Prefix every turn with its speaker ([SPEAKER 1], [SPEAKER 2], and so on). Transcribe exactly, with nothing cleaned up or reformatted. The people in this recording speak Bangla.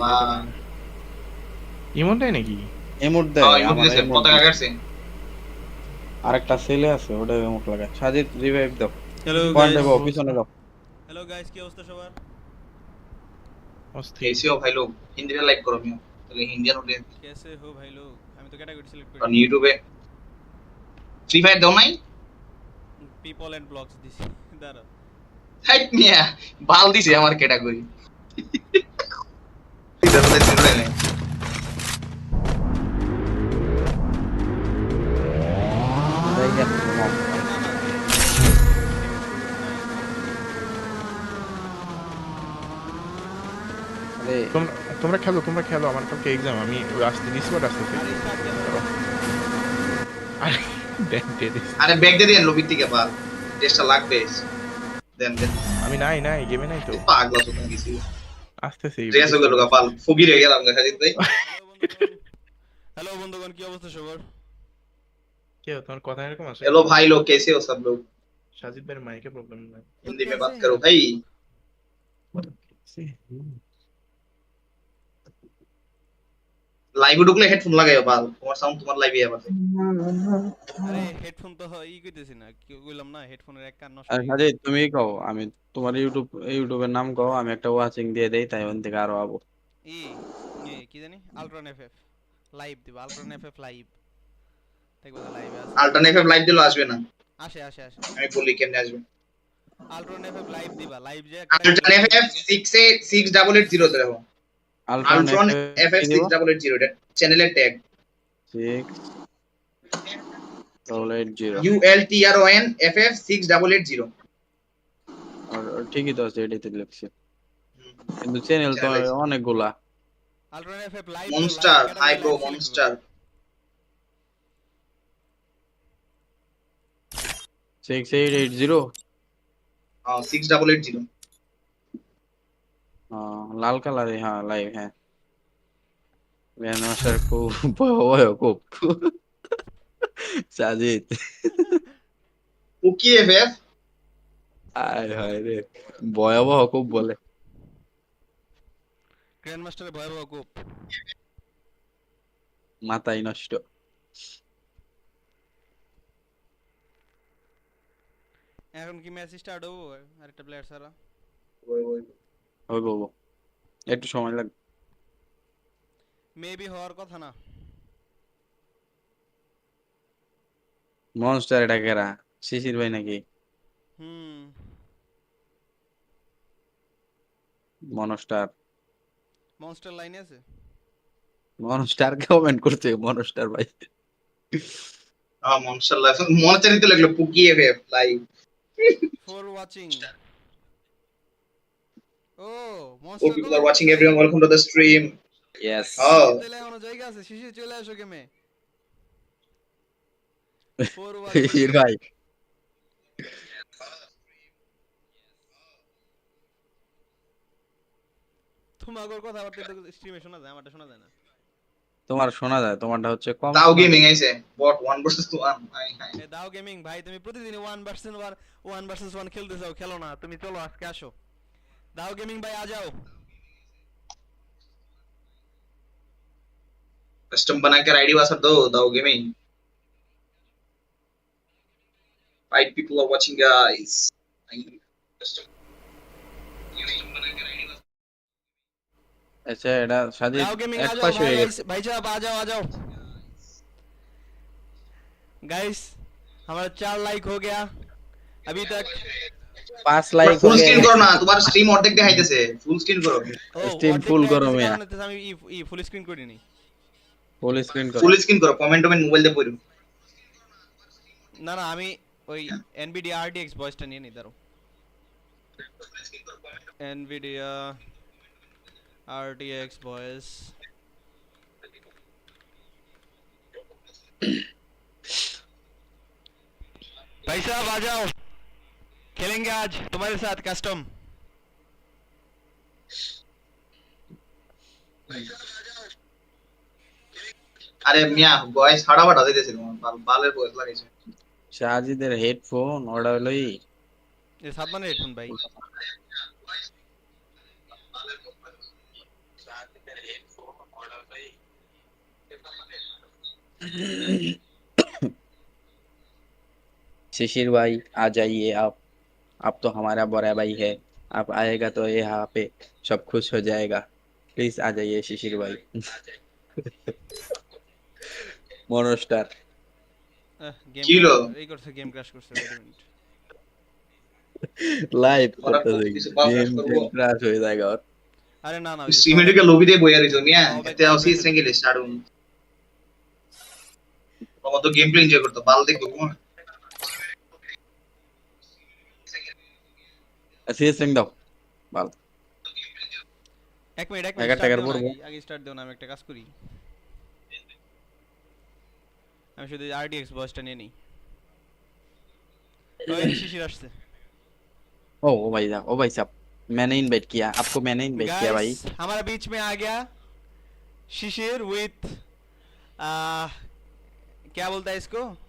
[SPEAKER 1] ইমোটে পায় না। ইমোট দেয় নাকি?
[SPEAKER 2] ইমোট
[SPEAKER 3] হ্যাঁ
[SPEAKER 2] দেয়,
[SPEAKER 3] ইমোট
[SPEAKER 2] আমার
[SPEAKER 3] দিতেছে,
[SPEAKER 2] ইমোট
[SPEAKER 3] পতাকা
[SPEAKER 2] দিছে।
[SPEAKER 3] কাটছে।
[SPEAKER 2] আরেকটা ছেলে আছে, ওটা ইমোট লাগায়। সাজিদ রিভাইভ দাও।
[SPEAKER 4] হ্যালো
[SPEAKER 2] পয়েন্টে
[SPEAKER 4] গাইস,
[SPEAKER 2] যাও, পিছনে যাও।
[SPEAKER 4] হ্যালো গাইস, কি অবস্থা সবার?
[SPEAKER 1] অস্থির।
[SPEAKER 3] এসিও ভাই লোক হিন্দিতে লাইক করো মিও, তাহলে ইন্ডিয়ান অডিয়েন্স।
[SPEAKER 4] कैसे हो भाई लोग? আমি তো ক্যাটাগরি সিলেক্ট করি
[SPEAKER 3] কারণ
[SPEAKER 4] নাই।
[SPEAKER 3] ইউটিউবে ফ্রি ফায়ার দাও নাই।
[SPEAKER 4] পিপল এন্ড ব্লগস দিছি। দাঁড়াও।
[SPEAKER 3] হাইট মিয়া বাল দিছে আমার ক্যাটাগরি। ইদারতে ছিল না।
[SPEAKER 2] যাই গেল, নাও। আরে
[SPEAKER 1] তোমরা তোমরা খেলো তোমরা খেলো আমার কালকে এক্সাম, আমি ওই আসতে ডিসকর্ড আসতেছি।
[SPEAKER 4] আরে স্টার্ট কেন?
[SPEAKER 1] আরে দেন দে দিস।
[SPEAKER 3] আরে ব্যাগ দিয়ে দেন লবির থেকে বাল, টেস্টটা লাগবে। দেন দেন
[SPEAKER 1] আমি নাই নাই গেমে নাই তো,
[SPEAKER 3] পাগলা তো তুমি কিছু
[SPEAKER 1] আসতেছি।
[SPEAKER 3] ড্রেস হয়ে গেল বাল, ফকির হয়ে গেলাম সাজিদ ভাই।
[SPEAKER 4] হ্যালো বন্ধুগণ, হ্যালো বন্ধুগণ, কি অবস্থা সবার?
[SPEAKER 1] কি হলো, তোমার কথা এরকম আসে?
[SPEAKER 3] हेलो भाई लोग, कैसे हो सब लोग?
[SPEAKER 1] সাজিদ ভাইয়ের মাইকে প্রবলেম নাই।
[SPEAKER 3] हिंदी में
[SPEAKER 4] कैसे
[SPEAKER 3] बात
[SPEAKER 4] हैं
[SPEAKER 3] करो
[SPEAKER 4] आप?
[SPEAKER 3] भाई। লাইভে ঢুকলে হেডফোন লাগাইও বাল, তোমার সাউন্ড তোমার লাইভে আবার।
[SPEAKER 4] আরে হেডফোন তো ই কইতেছি না, কি কইলাম না, হেডফোনের এক কান নষ্ট
[SPEAKER 2] আর
[SPEAKER 4] হয়ে গেছে।
[SPEAKER 2] সাজিদ তুমি কও, আমি তোমার ইউটিউব ইউটিউবের নাম কও, আমি একটা ওয়াচিং দিয়ে দেই, তাই ওখান থেকে আরো আবো।
[SPEAKER 4] ই ই কি জানি, আলট্রন এফএফ লাইভ দিব, আলট্রন এফএফ লাইভ। দেখো তো লাইভে আছে।
[SPEAKER 3] অল্টারনেটিভ লাইভ দিলে আসবে না,
[SPEAKER 4] আসে আসে আসে।
[SPEAKER 3] আমি বলি কেমনে আসবে।
[SPEAKER 4] আলট্রন এফএফ লাইভ দিবা, লাইভ যে
[SPEAKER 3] alternative six eight six double eight zero তে দেখো,
[SPEAKER 2] আলট্রন
[SPEAKER 3] আল্ট্রন
[SPEAKER 2] এফ
[SPEAKER 3] এফএফ
[SPEAKER 2] কি দিব?
[SPEAKER 3] সিক্স ডাবল এইট জিরো, এটা চ্যানেলের tag.
[SPEAKER 2] Six double eight zero.
[SPEAKER 3] U L T R O N FF six double eight zero.
[SPEAKER 2] আর ঠিকই তো আছে, এটাতে লিখছি, কিন্তু চ্যানেল তো
[SPEAKER 3] চ্যানেল
[SPEAKER 2] অনেকগুলা।
[SPEAKER 4] আলট্রন এফএফ লাইভ তো live
[SPEAKER 3] monster, high
[SPEAKER 4] category
[SPEAKER 3] bro
[SPEAKER 4] live select
[SPEAKER 3] monster.
[SPEAKER 2] Six eight eight zero.
[SPEAKER 3] হ্যাঁ সিক্স ডাবল এইট জিরো।
[SPEAKER 2] লাল কালারে, হ্যাঁ লাইভ, হ্যাঁ। গ্র্যান্ড মাস্টার খুব ভয়াবহ, খুব সাজিদ।
[SPEAKER 3] Cookie FF.
[SPEAKER 2] আয় হায় রে, ভয়াবহ খুব বলে।
[SPEAKER 4] গ্র্যান্ড মাস্টারে ভয়াবহ কোপ।
[SPEAKER 2] মাথায় নষ্ট।
[SPEAKER 4] এখন কি ম্যাচ স্টার্ট হবো আরেকটা প্লেয়ার ছাড়া?
[SPEAKER 2] ওই বলবো, একটু সময় লাগবে।
[SPEAKER 4] মেবি হওয়ার কথা না।
[SPEAKER 2] মনস্টার এটা কেরা? শিশির ভাই নাকি?
[SPEAKER 4] হুম।
[SPEAKER 2] মনস্টার,
[SPEAKER 4] মনস্টার লাইনে আছে।
[SPEAKER 2] মনস্টার কমেন্ট করছে, মনস্টার ভাই।
[SPEAKER 3] হ্যাঁ মনস্টার লাইভ মনে চাইতে লাগলো, Cookie FF live.
[SPEAKER 4] For watching. ও
[SPEAKER 3] Oh,
[SPEAKER 4] monster
[SPEAKER 3] people
[SPEAKER 4] comment
[SPEAKER 3] are watching
[SPEAKER 4] করছে।
[SPEAKER 3] everyone. Welcome to the stream.
[SPEAKER 2] ইয়েস।
[SPEAKER 3] Oh,
[SPEAKER 4] শিশির তেলে এখনো জায়গা আছে, শিশির চলে আসো গেমে। For watching.
[SPEAKER 2] শিশির ভাই,
[SPEAKER 4] তোমার কথা আবার তো স্ট্রিমে শোনা যায়, আমারটা শোনা যায় না।
[SPEAKER 2] তোমার শোনা যায়, তোমারটা হচ্ছে কম
[SPEAKER 3] Tao
[SPEAKER 2] শোনা
[SPEAKER 3] Gaming
[SPEAKER 2] যায়।
[SPEAKER 3] আইছে bot one versus one. Hi hi.
[SPEAKER 4] এ দাও গেমিং ভাই, তুমি প্রতিদিন one versus one one versus one খেলতে চাও, খেলো না তুমি, চলো আজকে আসো। দাও গেমিং ভাই आ जाओ।
[SPEAKER 3] कस्टम बना के आईडी वासा दो Tao Gaming. Five people are watching guys. Custom बना के आईडी वासा।
[SPEAKER 2] আচ্ছা, এটা সাজিদ
[SPEAKER 4] दाओ गेमिंग
[SPEAKER 2] এক
[SPEAKER 4] आ जाओ
[SPEAKER 2] পাশ
[SPEAKER 4] भाई,
[SPEAKER 2] হয়ে গেছে।
[SPEAKER 4] भाई साहब आ जाओ आ जाओ गाइस। हमारा चार लाइक हो गया अभी तक।
[SPEAKER 2] পাঁচ লাইক
[SPEAKER 3] ফুল
[SPEAKER 2] হলে
[SPEAKER 3] স্ক্রিন করো না, তোমার স্ট্রিম অর্ধেক দেখাইতেছে, ফুল স্ক্রিন করো।
[SPEAKER 4] ओ
[SPEAKER 2] স্ট্রিম
[SPEAKER 4] অর্ধেক
[SPEAKER 2] ফুল করো
[SPEAKER 4] দেখাইতেছে
[SPEAKER 2] মিয়া,
[SPEAKER 4] কারণ হচ্ছে আমি ই ই ফুল স্ক্রিন করি নি।
[SPEAKER 2] ফুল স্ক্রিন করো।
[SPEAKER 3] ফুল স্ক্রিন করো, কমেন্ট টমেন্ট মোবাইল দিয়ে পড়ো।
[SPEAKER 4] না না আমি ওই এনভিডিয়া আরটিএক্স ভয়েসটা নিয়ে নি, দাঁড়াও। Nvidia RTX voice. भाई साहब आ जाओ, खेलेंगे आज तुम्हारे साथ कस्टम।
[SPEAKER 3] আরে মিয়া ভয়েস হাড়াবাড়া দিতেছে, তোমার বাল বালের ভয়েস লাগাইছে।
[SPEAKER 2] সাজিদের হেডফোন ওটা হলোই
[SPEAKER 4] ये सात बने हेडफोन भाई।
[SPEAKER 2] शिशिर भाई आ जाइए आप आप तो हमारा बड़ा भाई है आप आएगा तो यहाँ पे सब खुश हो जाएगा प्लीज आ जाइए शिशिर भाई मोनोस्टार
[SPEAKER 4] গেম
[SPEAKER 3] কি হলো?
[SPEAKER 4] এই করছে গেম ক্র্যাশ করছে wait a minute।
[SPEAKER 2] লাইভ
[SPEAKER 3] ওরা
[SPEAKER 2] করতেছে
[SPEAKER 3] কিছু বাল
[SPEAKER 2] গেম
[SPEAKER 3] crash করবো।
[SPEAKER 2] ক্রাশ হয়ে যায় ওর
[SPEAKER 4] আরে না না ওই যে
[SPEAKER 3] সিমেন্টকে লবি দিয়ে বইয়া রইছো মিয়া
[SPEAKER 4] সবাই
[SPEAKER 3] এতে আসি
[SPEAKER 4] কবে
[SPEAKER 3] সিঙ্গেল স্টার্টুন বাবা তো গেম প্লে এনজয় করতো বাল দেখবো কোন
[SPEAKER 2] সিএস সিং দাও ভালো
[SPEAKER 4] এক মিনিট এক
[SPEAKER 2] এগারো
[SPEAKER 4] মিনিট
[SPEAKER 2] টাকার
[SPEAKER 4] start দিও না,
[SPEAKER 2] পড়বো।
[SPEAKER 4] আগে- আগে স্টার্ট দিও না আমি একটা কাজ করি আমি শুধু আরডিএক্স বয়সটা নিয়ে নিই ওই শিশির আসছে
[SPEAKER 2] ओ ओ भाई साहब ओ भाई साहब मैंने इनवाइट किया आपको मैंने इनवाइट किया भाई
[SPEAKER 4] गाइस हमारा बीच में आ गया शिशिर विथ क्या बोलता है इसको